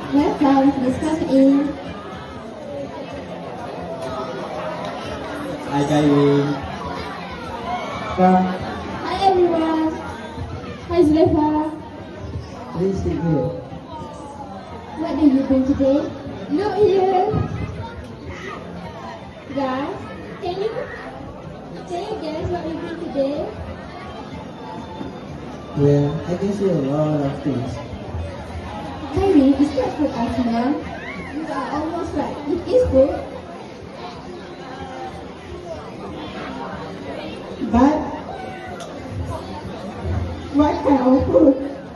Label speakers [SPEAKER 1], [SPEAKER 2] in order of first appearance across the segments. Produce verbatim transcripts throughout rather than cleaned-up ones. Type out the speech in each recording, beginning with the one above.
[SPEAKER 1] Welcome, please come in.
[SPEAKER 2] Hi, Kaiwin.
[SPEAKER 1] Hi everyone. Hi Zulaifa.
[SPEAKER 2] Please sit here.
[SPEAKER 1] What do you bring today? Look here. Guys, can you can you guess what we bring today?
[SPEAKER 2] Well, I can see a lot of things.
[SPEAKER 1] Kyrie, it's not food Asma. You are almost right. It is food. But what kind of food?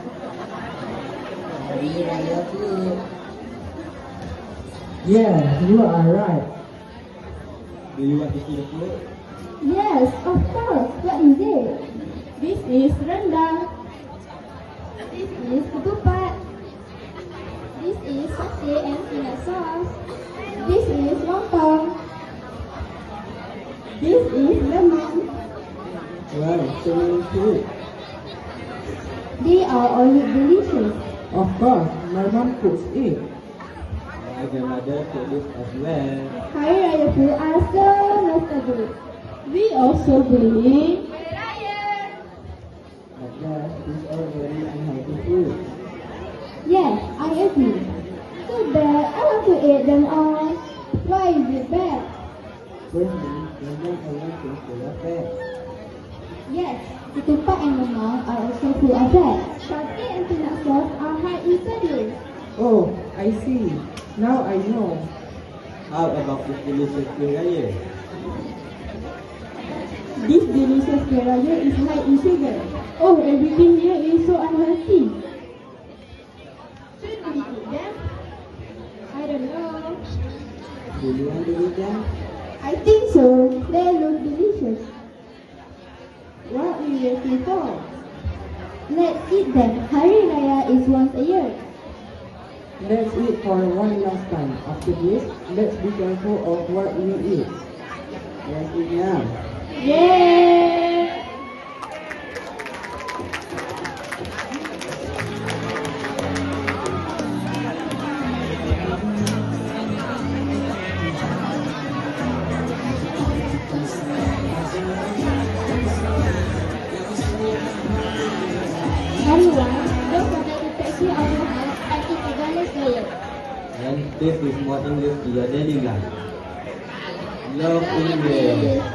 [SPEAKER 2] Hari Raya food. Yeah, you are right. Do you want to see the food?
[SPEAKER 1] Yes, of course. What is it? This is rendang. This is ketupat. This is satay and peanut sauce. This is lontong. This is lemon.
[SPEAKER 2] Wow, so many food.
[SPEAKER 1] They are all delicious.
[SPEAKER 2] Of course, my mom cooks it. My grandmother cooked it as well.
[SPEAKER 1] Hari Raya food are so nostalgic. We also bring
[SPEAKER 2] But that is all very unhealthy food.
[SPEAKER 1] Yes, I agree. Too bad. I want to eat them all. Why is it bad?
[SPEAKER 2] Firstly, rendang alone is full of fat.
[SPEAKER 1] Yes, ketupat and lemang are also full of fat. Satay and peanut sauce are high in sodium.
[SPEAKER 2] Oh, I see. Now I know. How about this delicious kuih raya?
[SPEAKER 1] This delicious kuih raya is high in sugar. Oh, everything here is so unhealthy. Should we eat them? I don't know.
[SPEAKER 2] Do you want to eat them?
[SPEAKER 1] I think so. They look delicious. What are you waiting for? Let's eat them. Hari Raya is once a year.
[SPEAKER 2] Let's eat for one last time. After this, let's be careful of what we eat. Let's eat now.
[SPEAKER 1] Yay! Everyone, don't forget to taxi out your house and eat a garlic layer.
[SPEAKER 2] And this is more English to your daily life. Love English.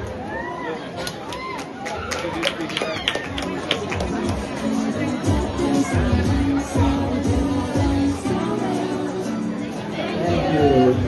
[SPEAKER 2] Thank you.